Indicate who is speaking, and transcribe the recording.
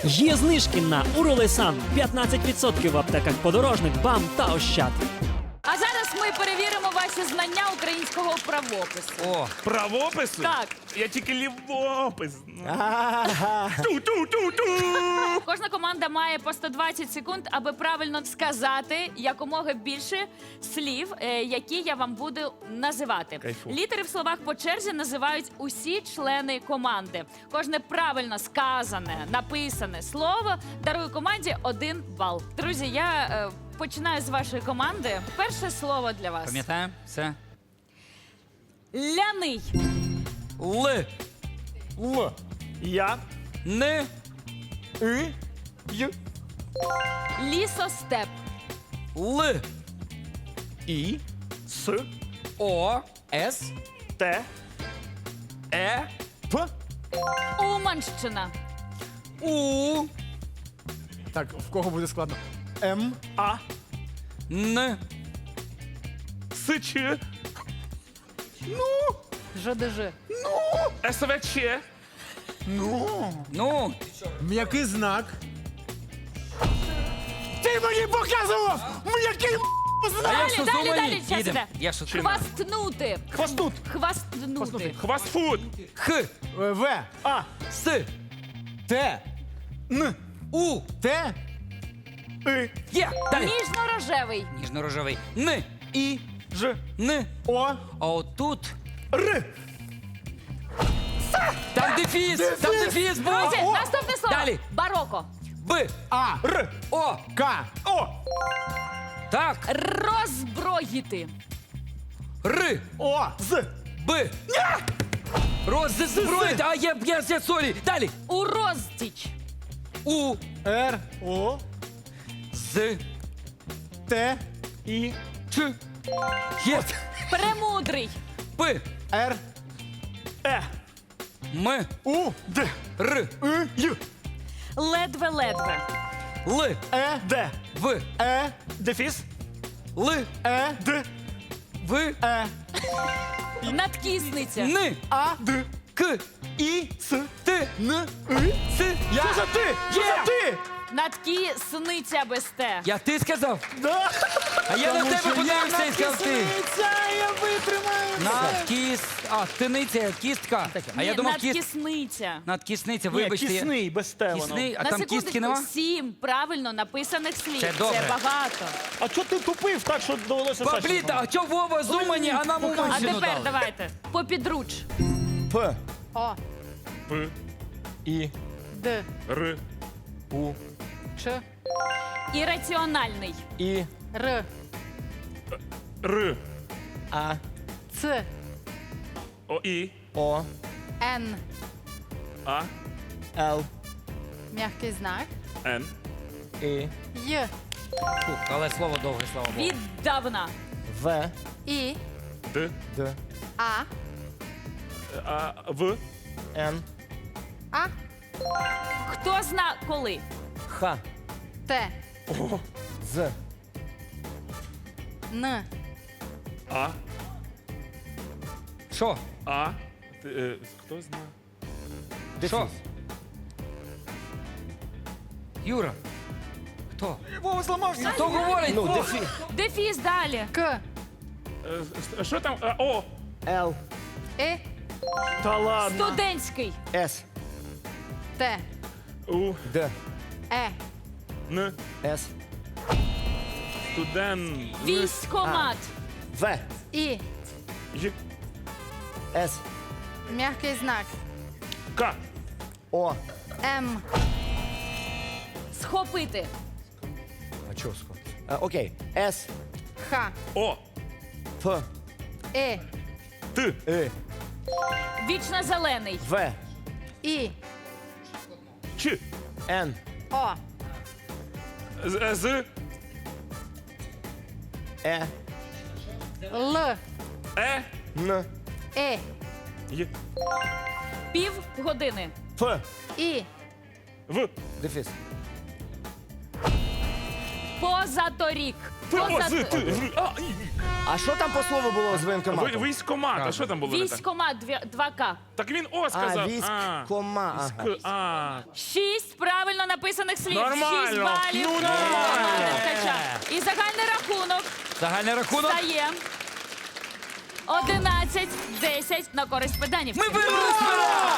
Speaker 1: Є знижки на Уролесан 15% в аптеках Подорожник, БАМ та Ощад.
Speaker 2: А зараз ми перевіримо ваші знання українського правопису.
Speaker 3: О,
Speaker 4: Правопису?
Speaker 2: Так.
Speaker 4: Я тільки лівопис. Ту-ту-ту-ту!
Speaker 2: Кожна команда має по 120 секунд, аби правильно сказати якомога більше слів, які я вам буду називати.
Speaker 4: Кайфу.
Speaker 2: Літери в словах по черзі називають усі члени команди. Кожне правильно сказане, написане слово дарує команді 1 бал. Друзі, я починаю з вашої команди. Перше слово для вас.
Speaker 3: пам'ятаємо? Все.
Speaker 2: Ляний.
Speaker 3: Л.
Speaker 4: Л. Я.
Speaker 3: Н.
Speaker 4: И. Й.
Speaker 2: Лісостеп.
Speaker 3: Л.
Speaker 4: І. С.
Speaker 3: О. С.
Speaker 4: Т.
Speaker 3: Е.
Speaker 4: П.
Speaker 2: Уманщина.
Speaker 3: У.
Speaker 5: Так, в кого буде складно? М.
Speaker 4: А.
Speaker 3: Н.
Speaker 4: С. Ч.
Speaker 2: ЖДЖ.
Speaker 4: СВЧ.
Speaker 3: Ну.
Speaker 5: М'який знак. Ти мені показував! М'який знак!
Speaker 3: А я
Speaker 2: Далі,
Speaker 3: що,
Speaker 2: далі,
Speaker 3: зумані?
Speaker 2: далі, час
Speaker 3: Їдем.
Speaker 2: іде.
Speaker 3: Я що,
Speaker 2: Хвастнути.
Speaker 4: Хвостут.
Speaker 2: Хвастнути.
Speaker 4: Хвастфуд.
Speaker 3: Х.
Speaker 5: В.
Speaker 4: А.
Speaker 3: С.
Speaker 5: Т.
Speaker 3: Н. У.
Speaker 5: Т.
Speaker 4: И.
Speaker 3: Є. Далі.
Speaker 2: Ніжно-рожевий.
Speaker 3: Ніжно-рожевий. Н. І.
Speaker 4: Ж.
Speaker 3: Н.
Speaker 5: О.
Speaker 3: А отут.
Speaker 4: Р.
Speaker 3: Там дефіс. Там дефіс був.
Speaker 2: Друзі, наступне слово.
Speaker 3: Далі.
Speaker 2: Бароко.
Speaker 3: Б.
Speaker 5: А.
Speaker 4: Р.
Speaker 3: О.
Speaker 5: К.
Speaker 4: О.
Speaker 3: Так.
Speaker 2: Роззброїти.
Speaker 3: Р.
Speaker 4: О. З.
Speaker 3: Б. Роззброїть. А я сорі. Далі.
Speaker 2: Урозтіч.
Speaker 3: У.
Speaker 5: Р.
Speaker 4: О.
Speaker 3: З.
Speaker 5: Т.
Speaker 4: І.
Speaker 3: Ч. Є.
Speaker 2: Премудрий.
Speaker 3: П.
Speaker 5: Р.
Speaker 4: Е.
Speaker 3: М.
Speaker 4: У. Д.
Speaker 3: Р.
Speaker 4: И. Й.
Speaker 2: Ледве-ледве.
Speaker 3: Л.
Speaker 5: Е.
Speaker 4: Д.
Speaker 3: В.
Speaker 5: Е.
Speaker 4: Дефіс.
Speaker 3: Л.
Speaker 5: Е.
Speaker 4: Д.
Speaker 3: В.
Speaker 5: Е.
Speaker 2: Надкісниця.
Speaker 3: Н.
Speaker 5: А.
Speaker 4: Д.
Speaker 3: К.
Speaker 4: І. С.
Speaker 3: Т.
Speaker 5: Н.
Speaker 4: И.
Speaker 3: С.
Speaker 4: Що за ти? Що за ти?
Speaker 2: Надкісниця без те.
Speaker 3: Я ти сказав?
Speaker 4: Да.
Speaker 3: А я на тебе подивився і сказав ти.
Speaker 5: Я витримаю.
Speaker 3: Надкіс. А, тиниця, кістка. А я
Speaker 2: Ні,
Speaker 3: думав, кіст.
Speaker 2: надкісниця.
Speaker 3: Надкісниця,
Speaker 4: Ні,
Speaker 3: вибачте.
Speaker 4: кисний, без те воно.
Speaker 3: Кісний, а
Speaker 2: На
Speaker 3: там
Speaker 2: секундочку,
Speaker 3: кістки нема?
Speaker 2: 7 правильно написаних слів.
Speaker 3: Це добре.
Speaker 2: Це багато.
Speaker 4: А чого ти тупив так, що довелося Саші?
Speaker 3: Бабліта, а чого Вова з Умані, а нам
Speaker 2: А
Speaker 3: Уманщину
Speaker 2: тепер
Speaker 3: дали?
Speaker 2: давайте. Попідруч.
Speaker 5: П.
Speaker 2: О.
Speaker 4: П.
Speaker 5: І.
Speaker 2: Д.
Speaker 4: Р.
Speaker 5: У.
Speaker 2: Ч. Ірраціональний.
Speaker 5: І.
Speaker 2: Р.
Speaker 4: Р.
Speaker 5: А.
Speaker 2: Ц.
Speaker 4: О. І.
Speaker 5: О.
Speaker 2: Н.
Speaker 4: А.
Speaker 5: Л.
Speaker 2: М'який знак.
Speaker 4: Н.
Speaker 5: І.
Speaker 2: Й.
Speaker 3: Фух, але слово довге, слава Богу.
Speaker 2: Віддавна.
Speaker 5: В.
Speaker 2: І.
Speaker 4: Д.
Speaker 5: Д.
Speaker 2: А.
Speaker 4: А. В.
Speaker 5: Н.
Speaker 2: А. Хто зна коли?
Speaker 5: Х.
Speaker 2: Т.
Speaker 4: О.
Speaker 5: З.
Speaker 2: Н.
Speaker 4: А.
Speaker 3: Що?
Speaker 4: А. Хто знає?
Speaker 3: Що? Юра. Хто?
Speaker 5: Вова зламався.
Speaker 3: Хто говорить?
Speaker 5: Ну,
Speaker 3: О,
Speaker 5: дефі.
Speaker 2: Дефіс далі. К.
Speaker 4: Що там? О.
Speaker 5: Л.
Speaker 2: Е.
Speaker 4: Та ладно.
Speaker 2: Студентський.
Speaker 5: С.
Speaker 2: Т.
Speaker 4: У.
Speaker 5: Д.
Speaker 2: Е.
Speaker 4: Н.
Speaker 5: С.
Speaker 4: Студент.
Speaker 2: Військомат.
Speaker 5: В.
Speaker 2: І.
Speaker 4: Й.
Speaker 5: С.
Speaker 2: М'який знак.
Speaker 4: К.
Speaker 5: О.
Speaker 2: М. Схопити.
Speaker 5: А чого сход? Окей. С.
Speaker 2: Х.
Speaker 4: О.
Speaker 5: Ф.
Speaker 2: Е.
Speaker 4: Т.
Speaker 5: И.
Speaker 2: Вічно зелений.
Speaker 5: В.
Speaker 2: І.
Speaker 4: Ч.
Speaker 5: Н.
Speaker 2: О.
Speaker 4: З.
Speaker 5: Е.
Speaker 2: Л.
Speaker 4: Е.
Speaker 5: Н.
Speaker 2: Е.
Speaker 4: Й.
Speaker 2: Півгодини.
Speaker 5: Ф.
Speaker 2: І.
Speaker 4: В.
Speaker 5: Дефіс.
Speaker 2: Позаторік.
Speaker 4: Т. З. Т. В. А. І.
Speaker 5: А що там по слову було з воєнкоматом?
Speaker 4: Військомат. А що там було? не так?
Speaker 2: Військомат 2К.
Speaker 4: Так він О сказав.
Speaker 5: військ.
Speaker 4: А.
Speaker 5: Кома. Ага.
Speaker 4: А.
Speaker 2: 6 правильно написано. написаних слів.
Speaker 4: Нормально.
Speaker 2: 6 балів.
Speaker 4: Ну,
Speaker 2: для
Speaker 4: нормально.
Speaker 2: команди Ткача. І загальний рахунок
Speaker 3: Загальний рахунок.
Speaker 2: стає 11-10 на користь педанів.
Speaker 3: Ми виграли!